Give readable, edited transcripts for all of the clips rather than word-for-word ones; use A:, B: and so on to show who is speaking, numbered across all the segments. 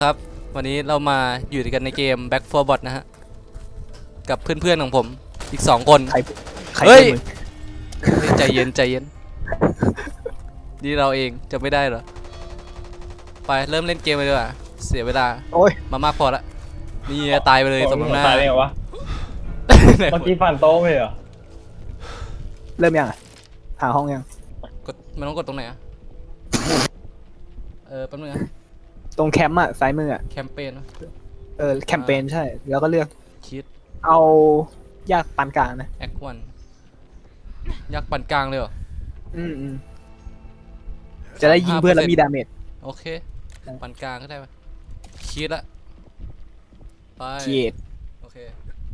A: ครับวันนี้เรามาอยู่กันในเกม Back 4 Bot นะฮะกับเพื่อนๆของผมอีก2 คน
B: ใคร
A: เฮ้ย
B: มึง
A: ใจเย็นใจเย็นนี่เราเองจะไม่ได้เหรอไปเริ่มเล่นเกมเลยดีกว่าเสียเวลา
B: โอ้ย
A: มามากพอละนี่ตายไปเลยสมน้ำหน้า
C: ตายได้ไงวะ
A: ไหน
C: เมื่อกี้ฟันโต๊ะไม่เหรอ
B: เริ่มยังอ่ะหาห้องยัง
A: กดมันต้องกดตรงไหนอะแป๊บนึงนะ
B: ตรงแคมป์อ่ะซ้ายมืออ่ะ
A: แคมเปญ
B: แคมเปญใช่แล้วก็เลือก
A: คิด
B: เอายากปานกลางนะ
A: แอควันยักษ์ปั่นกลางเลยเหรอ
B: อืมจะได้ยิงเพื่อนแล้วมีดาเมจ
A: โอเคปั่นกลางก็ได้ปะคิดละไป
B: เกียด
A: โอเค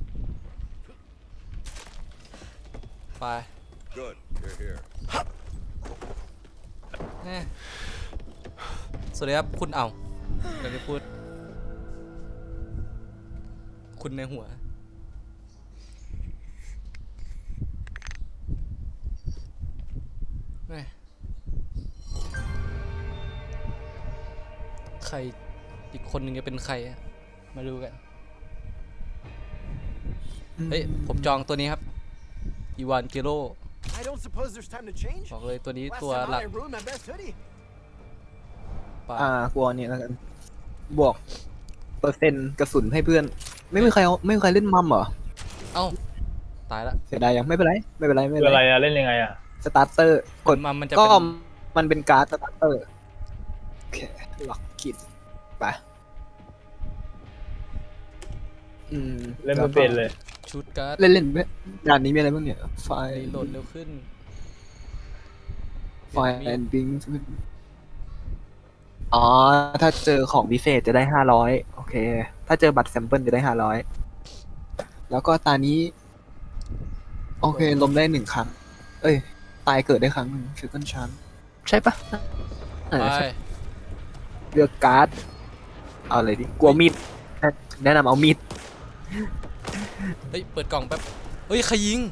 A: ไป
D: Good, you're here.
A: แน่สวัสดีครับคุณเดี๋ยวจะพูดคุณในหัวแม่ใครอีกคนหนึ่งจะเป็นใครอะมาดูกันเฮ้ยผมจองตัวนี้ครับอีวานเกโร
E: I don't suppose there's time to change.
A: บอกเลยตัวนี้
E: Last
A: ตัว
E: time
A: หลั
E: out,
A: ก
E: I ruined my best hoodie.
A: ป่ะ
B: กลัวนี่แล้วกันบวกเปอร์เซ็นต์กระสุนให้เพื่อน ไม่มีใครเล่นมัมเหรอ
A: เอ้าตายละ
B: เสียดายยังไม่เป็นไรไม่เป็นไร
C: คืออะไรอะเล่นยังไงอะ
B: สตาร์เตอร์กด
A: มันจะ
B: ก็
A: เป็น
B: มันเป็นการ์ดสตาร์เตอร์โอเคล็อกกิดไป
C: เล่นไม่เป็นเลย
A: ชุดการ์ด
B: เล่นด่านนี้มีอะไรบ้างเนี่ยไฟ
A: โหลดเร็วขึ้น
B: ไฟแอนดิ้งอ๋อ ถ้าเจอของพิเศษจะได้500โอเค ถ้าเจอบัตรแซมเปิลจะได้500แล้วก็ตานี้ โอเคลมได้1 ครั้ง เอ้ย ตายเกิดได้ครั้งหนึ่งฟิวกันชันใช่ปะ
A: ไป
B: ใช่เลือกการ์ด เอาอะไรดิ กลัวมีด แนะนำเอามีด
A: เฮ้ยเปิดกล่องแป๊บเฮ้ยใครยิง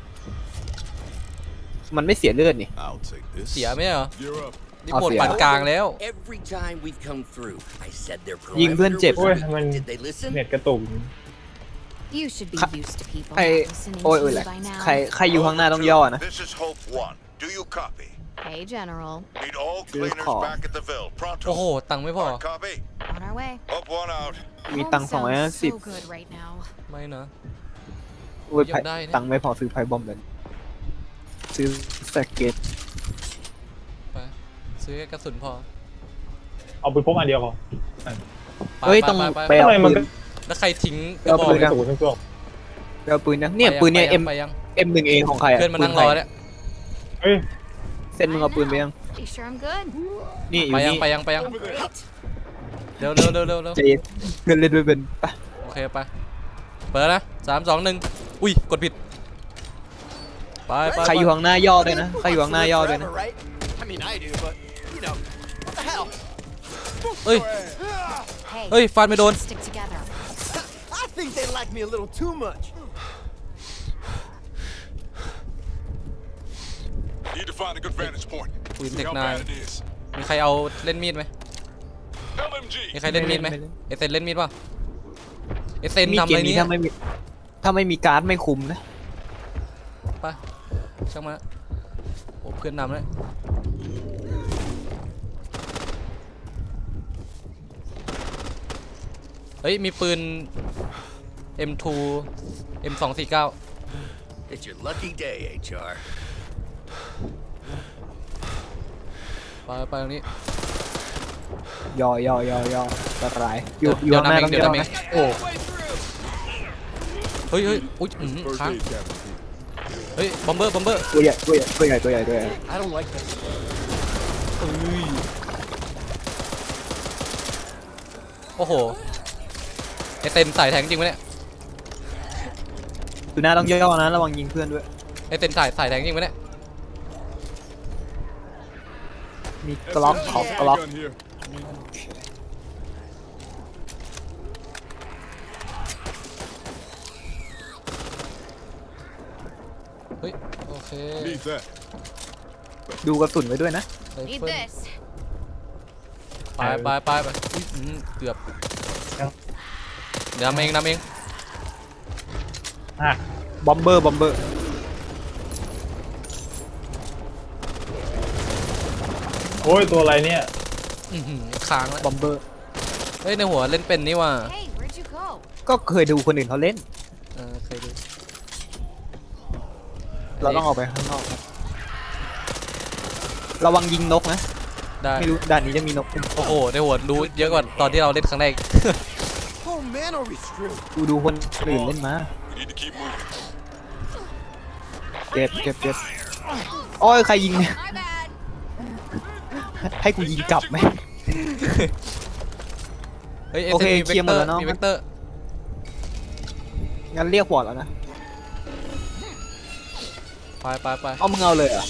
B: มันไม่เสียเลือดนี่
D: I'll take this.
A: เสียไหมเหรอ
D: You're up.
A: นี่โหมดปั่นกลางแล้ว
F: Every time we've come through, I said their
B: ยิงเพื่อนเจ็บ
F: perimeter
C: โอ้ย
F: was
C: มัน
F: weak. Did they listen?
C: เน็ตกระตุก
G: You should be used to people
B: ใคร
G: not listening
B: โอ้ย
G: to
B: โอ้ย
G: you
B: แหละ
G: by now.
B: ใครอยู่ข้างหน้าต้องย่อนะ
D: This is Hope 1. Do you copy?
G: Hey, General.
D: Need all
B: Good
D: cleaners
B: call.
D: back at the Ville.
A: โอ้โห
D: Pronto.
A: ตังค์ไม่พอ
D: Hard copy.
G: On our way.
D: Hope 1 out.
B: มี
G: Home
B: ตังค์
G: sounds so
B: 250
G: good right now.
A: ไม่นะ
B: โอ้ย
A: อยากได้เนี่ย
B: ตังค์ไม่พอซื้อไพ่บอมเลยซื้อสเก็ต
A: ไปซื้อแค่กระสุนพอ
C: เอาไปพกอันเดียวพอ
A: ไป
B: เฮ้ย
A: ไป
B: ต้อง
A: ไป
B: ไป
A: ไป
B: เอา
C: ทำไมมัน
B: ปืน
C: ก็
A: แล้วใครทิ้งก
B: เอา
A: ระบอก
B: ปืน
C: ก
B: นะ
C: ระตุกทั้งตัว
B: ไปเอาปืนนะเนี่ยปืนเนี่ย
A: ไปยัง
B: M1A ของใครอะ
A: เพื่อนมานั่งรอเนี่ย
C: เฮ้ย
B: เส้นมึงเอาปืนไปยัง
G: You sure I'm good?
B: นี่อยู่
A: ไปยัง
B: นี่
A: ไปยังไปยัง
G: Great.
A: เร็วเร็วเร็วเร็วเร็ว
B: ใจเย็นเงินเล่นไม่เป็นไป
A: โอเคไปเปิดนะ3 2 1อุ้ยกดผิดไปไป
B: ใครอยู่ข้างหน้าย่อด้วยนะใครอยู่ข้างหน้าย่อด้วยนะ
E: Forever, right? I mean, I do, but you know, what the hell?
A: เอ้ย
G: Hey,
A: เฮ้ยฟันไม่โดน
G: stick together.
E: I think they like me a little too much.
D: Need to find a good vantage point.
A: Queen
D: See
A: Tech
D: how
A: Nine.
D: bad it is.
A: มีใครเอาเล่นมีดไหม
D: LMG.
A: มีใครเล่นมีดไหม
B: ไม่เล่น
A: เอเซนเล่นมีดป่ะเอเซน
B: มี
A: ทำ
B: เก
A: อะไร
B: มนี้
A: เนี่ย
B: ถ้าไม่มีการ์ดไม่คุ้มนะ
A: ไปช่างมาโอ้เพื่อนนำเลยเฮ้ยมีปืน M2 M249
F: It's your lucky day, HR.
A: ไปตรงนี้
B: ย่อันตรายอยู่
A: เดี๋ยว
B: ข้างหน้า
A: เดี๋ยว
B: ต้องย่อ
A: เดี๋ยว
B: นะ
A: โอ้เฮ้ยอุ้ยค้าง
D: First aid, Captain.
A: เฮ้ยบอมเบอร์
B: ตัวใหญ่ตัวใหญ่
E: I don't like this.
A: เอ้ยโอ้โหไอเซนใส่แทงจริงไหมเนี่ย
B: ดูหน้าต้องย่อนะระวังยิงเพื่อนด้วย
A: ไอเซนใส่แทงจริงไหมเนี่ย
B: มีกล็อกขอบกล็อก
D: Gun here.
A: เฮ้ยโอเค
D: Need that.
B: ดูกระสุนไว้ด้วยนะ
A: ไร
G: Need
A: เฟิล
G: this.
A: ไปไปอุ๊ยเกือบเดี๋ยวนำเอง
C: อ่ะ
B: บอมเบอร์
C: โอ้ยตัวอะไรเนี่ย
A: ค้างแล้ว
B: บอมเบอร์
A: เฮ้ยในหัวเล่นเป็นนี่ว่ะ
G: Hey, where'd you go?
B: ก็เคยดูคนอื่นเขาเล่น
A: เคยดู
B: เราต้องออกไปข้างนอกครับระวังยิงนกนะ
A: ได้
B: ไม่รู้ด่านนี้จะมีนก
A: โอ้โหในหัวรู้เยอะกว่าตอนที่เราเล่นครั้งแรก
E: Oh man, are we screwed?
B: กูดูคนอื่นเล่นมา
D: We need to keep moving.
B: เจ็บโอ้ยใครยิงเนี่ย
G: My bad.
B: ให้กูยิงกลับไหม
A: เฮ้ย
B: โอเค
A: มี
B: เคลียร์หมดแล้วเนอะ
A: มีเวกเตอร์
B: งั้นเรียกวอร์ดแล้วนะ
A: ไป
B: เอามึงเอาเลยเหรอ่ะ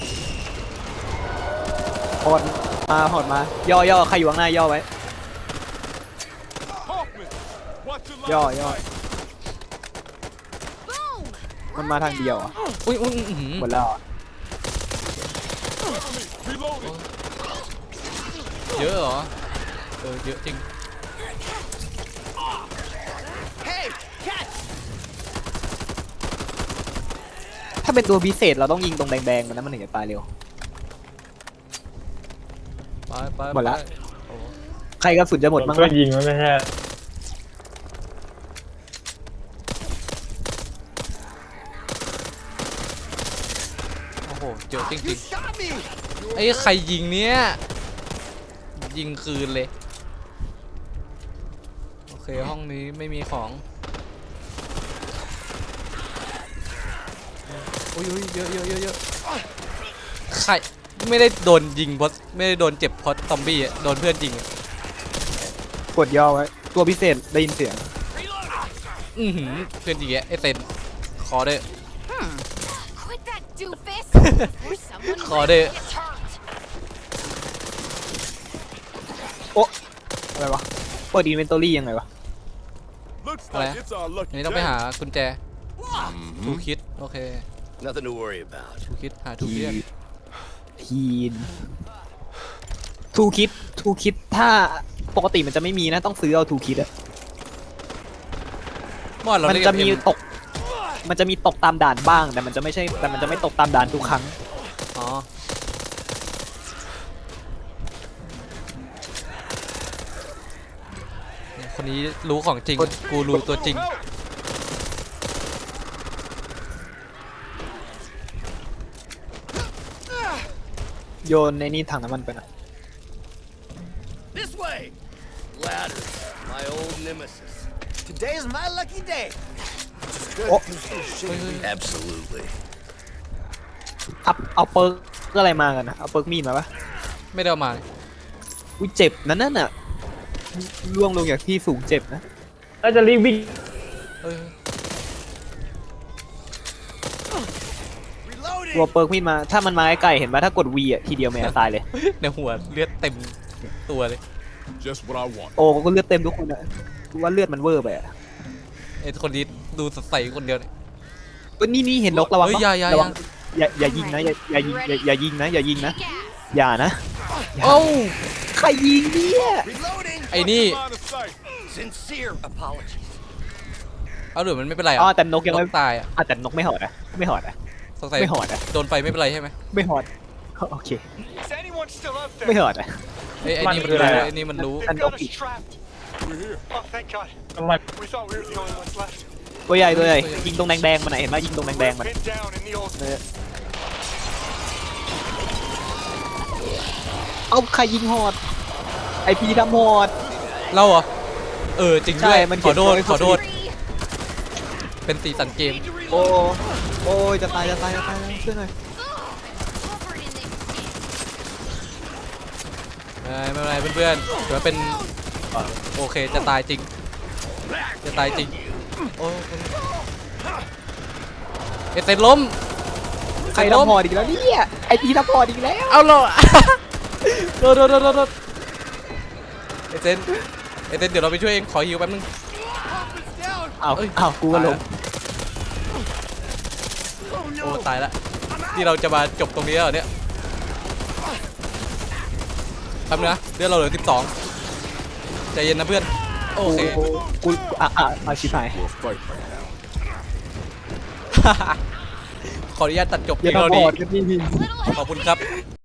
B: หอดมาย่อใครอยู่ข้างหน้าย่อไว้
D: Hoffman, watch your
B: ย่อ
D: line.
G: Boom.
B: มันมาทางเดียวอ่ะ
A: อุ้ย
B: หมดแล้วอะ
D: Reloading.
A: เยอะเหรอเยอะจริง
E: Hey, catch!
B: ถ้าเป็นตัวพิเศษเราต้องยิงตรงแดงๆมันนะมันถึงจะตายเร็ว
A: ไป
B: หมดละ
A: โอ้
B: ใครกระสุนจะหมดบ้าง
C: ช่วยยิงมันไม่ใช่
A: โหเยอะจ
E: You
A: ริง
E: shot me!
A: ๆไอ้ใครยิงเนี้ยยิงคืนเลยโอเคห้องนี้ไม่มีของอุ้ยเยอะใครไม่ได้โดนยิงเพราะไม่ได้โดนเจ็บเพราะซอมบี้อะโดนเพื่อนยิงอะ
B: กดย่อไว้ตัวพิเศษได้ยินเสียง
A: เพื่อนยิงแกไอ้เซนคอเด้อ
G: Quit that doofus. Or someone
A: Khó
G: might
A: đi.
G: get hurt.
B: โอ๊ะอะไรวะเปิดอินเวนทอรี่ยังไงวะ
D: Looks
A: อะไร
D: like it's our
A: อัน
D: lucky
A: นี้ต้องไป
D: day.
A: หากุญแจทูคิดโอเค
F: Nothing to worry about.
A: ทูคิดหาทูคิด
B: ทีนทูคิดถ้าปกติมันจะไม่มีนะต้องซื้อเอาทูคิดอะ
A: มอดเรา
B: มัน
A: เล่น
B: จะ
A: กับ
B: มี
A: เอ็ม
B: ตกตามด่านบ้างแต่มันจะไม่ตกตามด่านทุกครั้ง
A: อ๋อคนนี้รู้ของจริงกูรู้ตัวจริง
B: โยนในนี่ถังน้ำมันไปนะ
F: This way! Ladders, my old nemesis.
E: Today's my lucky day.
B: Oh.
F: Absolutely.
B: เอาเปิร์กอะไรมากันนะเอาเปิร์กมีดมาปะ
A: ไม่ได้เอามาเลย
B: อุ้ยเจ็บนั่นน่ะล่วงลงจากที่สูงเจ็บนะ
C: น่าจะรีบวิ่ง
A: เอ้ย
E: Reloading!
B: ตัวเปิร์กมีดมาถ้ามันมาใกล้ๆเห็นปะถ้ากด V อ่ะทีเดียวแม่ตายเลย
A: ในหัวเลือดเต็มตัวเลย
D: Just what I want.
B: โอ้ก็เลือดเต็มทุกคนอะกูว่าเลือดมันเวอร์ไปอะ
A: ไอ้คนนี้ดูสดใสคนเดียวเนี่ย
B: เอ้ยนี่เห็นนกระวัง
A: เฮ้ย
B: ปะ
A: อย่า
B: ระวังอย่ายิงนะอย่ายิงนะอย่ายิงนะ
G: Kick ass.
B: อย่านะ
A: โอ้า
B: ใครยิงเนี่ย
E: Reloading!
A: ไอ้นี่
D: Line of sight.
F: Sincere apologies.
A: เอาหรือมันไม่เป็นไร
B: อ๋อ
A: อ่ะ
B: แต่นกยังไม่
A: ตายอ่ะ
B: แต่นกไม่หอดอะไม่หอดอะ
A: สงสัย
B: ไม่หอดอะ
A: โดนไฟไม่เป็นไรใช่ไหม
B: ไม่หอดโอเค
E: Is anyone still out
B: ไม่หอดอะ
A: ไอ้นี่มัน
C: มันคืออะไร
A: รู้
C: อะ
A: ไอ้นี่มันรู้
B: And
E: got
B: okay.
E: us trapped.
D: We're here.
E: Oh, thank God.
C: น้ำมัน
E: We thought we were the only ones left.
B: ตัวใหญ่ยิงตรงแดงๆมันไหนเห็นไหมยิงตรงแดงๆมัน
E: Pinned down in the old.
B: เอาใครยิงหอดไอพีทำหอด
A: เราเหรอจริงด้วย
B: ใช่มันเขี
A: ขอย
B: น
A: โทษ
B: ไว้
A: ขอโทษ
G: Free.
A: เป็นสีสันเกม
B: โอ้โอ้ยจะตายช่วยหน่อย
G: Covered in this shit.
A: ไม่เป็นไรเพื่อนๆถือว่าเป็นโอเคจะตายจริงโอ้เอเซนล้ม
B: ใครทำหอดอีกแล้วเนี่ยไอพีทำหอดอีกแล้ว
A: เอาเหรอ โดนเอเซนเดี๋ยวเราไปช่วยเองขอฮิวแป๊บนึง
B: เอา
A: เอ้ย
B: เอากูก็ลง
A: โอ้ตายละที่เราจะมาจบตรงนี้แล้วเหรอเนี่ยป๊บนึงนะเลือดเราเหลือ12ใจเย็นนะเพื่อนโอเค
B: กูชิบหาย
D: We'll fight right now.
A: ขออนุญาตตัดจบ
B: อ
A: เพีย
B: ย่าง
A: เท่า
B: บ
A: นี้
B: อดกันนี่
A: ขอบคุณครับ